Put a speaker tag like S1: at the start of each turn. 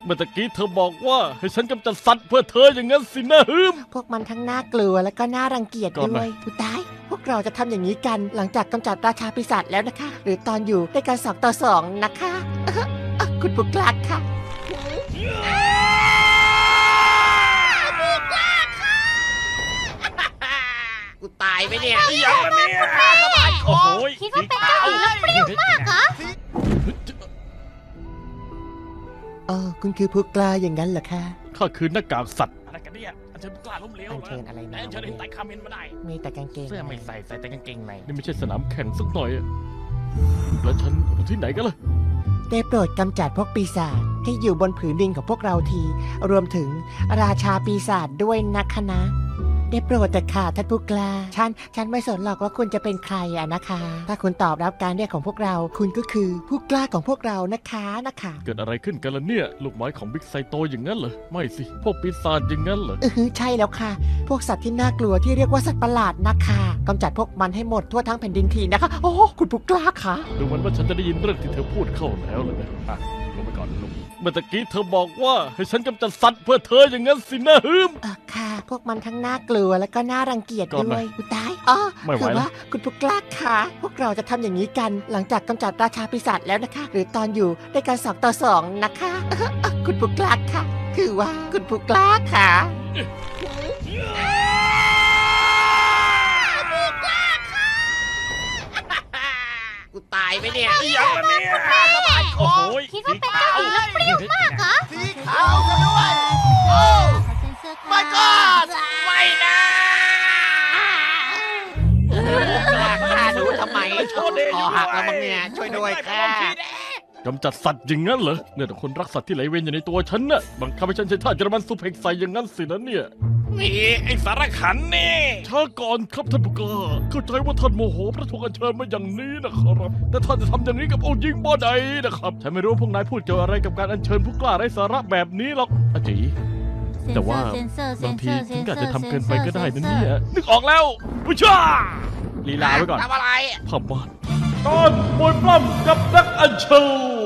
S1: เมื่อตะกี้เธอบอกว่าให้ฉันกำจัดสัตว์เพื่อเธออย่างนั้นสินะฮึม
S2: พวกมันทั้งน่ากลัวและก็น่ารังเกียจ
S1: ก่อน
S2: ด้ว
S1: นะ
S2: ยผู้ตาย พวกเราจะทำอย่างนี้กันหลังจากกำจัดราชาปีศาจแล้วนะคะ หรือตอนอยู่ด้วยกัน2 ต่อ 2นะคะคุณผู้กล้าค่ะกูตายไหมเนี่ย
S3: ยังละเนี่ย
S1: โอ้โห
S3: คิดว่าเป็นเจ้าหญิงแล้วเปรี้ยวมากเหรอ
S2: คุณคือผู้กล้าอย่างนั้นเหรอคะ
S1: ข้าคือหน้ากากสัตว์
S3: อะไรกันเนี่ยอันเชิญกล้าล้มเหลว
S2: อัญเชิญอะไรมา
S3: อันเชิญเห็นไต่คาเมนมาได้
S2: มีแต่กางเกง
S3: เสื้อไม่ใส่ใส่แต่กางเกงใน
S1: นี่ไม่ใช่สนามแข่งสักหน่อยอะแล้วฉันอยู่ที่ไหนกันล่ะ
S2: ได้โปรดกำจัดพวกปีศาจที่อยู่บนผืนดินของพวกเราที รวมถึงราชาปีศาจด้วยนะคะนะ ได้โปรดแต่ค่ะท่านผู้กล้าฉันไม่สนหรอกว่าคุณจะเป็นใครอะนะคะ ถ้าคุณตอบรับการเรียกของพวกเรา คุณก็คือผู้กล้าของพวกเรานะคะนะคะ
S1: เกิดอะไรขึ้นกันล่ะเนี่ย ลูกไม้ของบิ๊กไซโตอย่างนั้นเหรอ ไม่สิ พวกปีศาจอย่างนั้นเหรอ
S2: ใช่แล้วค่ะ พวกสัตว์ที่น่ากลัวที่เรียกว่าสัตว์ประหลาดนะคะกำจัดพวกมันให้หมดทั่วทั้งแผ่นดินทีนะคะ โอ้คุณผู้กล้าค่ะ
S1: ดูเหมือนว่าฉันจะได้ยินเรื่องที่เธอพูดเข้าแล้วเลยนะอ่ะลงไปก่อนลุงเมื่อตะกี้เธอบอกว่าให้ฉันกำจัดสัตว์เพื่อเธออย่างนั้นสินะฮึม
S2: ค่ะ พวกมันทั้งน่ากลัวและก็น่ารังเกียจ
S1: ก่อน
S2: ด้
S1: นะ
S2: วยอุยตาย
S1: ไม่ไหว
S2: คือ
S1: แล้ว
S2: ว่าคุณผู้กล้าค่ะพวกเราจะทำอย่างนี้กันหลังจากกำจัดราชาปีศาจแล้วนะคะ หรือตอนอยู่ด้วยกัน2 ต่อ 2นะคะ คุณผู้กล้าค่ะ คือว่าคุณผู้กล้าค่ะ กูตายไหมเนี่ย
S3: ยังละเนี่ยโอ้โห
S4: คิดว่าเป็นเจ้าหญิงแล้วเปรี้ยวมากเหรอ
S3: สีขาวซะด้วยโอ้ my god ไม่นะ
S2: ฆ่าหนูทำไมคอหักแล้วมั้งเนี่ยช่วยด้วยค่ะ
S1: กำจัดสัตว์อย่างนั้นเหรอเนี่ยแต่คนรักสัตว์ที่ไหลเวียนอยู่ในตัวฉันน่ะบังคับให้ฉันใช้ท่าเยอรมันซูเพกใส่อย่างนั้นสินะเนี่ย
S3: นี่ไอ้สารขันนี่
S1: ช้าก่อนครับท่านผู้กล้าเข้าใจว่าท่านโมโหพระถูกอัญเชิญมาอย่างนี้นะครับ แต่ท่านจะทำอย่างนี้กับองค์หญิงบ่ได้นะครับฉันไม่รู้ว่าพวกนายพูดเกี่ยวอะไรกับการอัญเชิญผู้กล้าไร้สาระแบบนี้หรอกอาจีแต่ว่าบางทีฉันก็อาจจะทำเกินไปก็ได้นะเนี่ยนึกออกแล้วผู้ช่าลีลาไว้ก่อน
S3: ทำอะไร
S1: พม่านตอนมวยปล้ำกับนักอัญเชิญ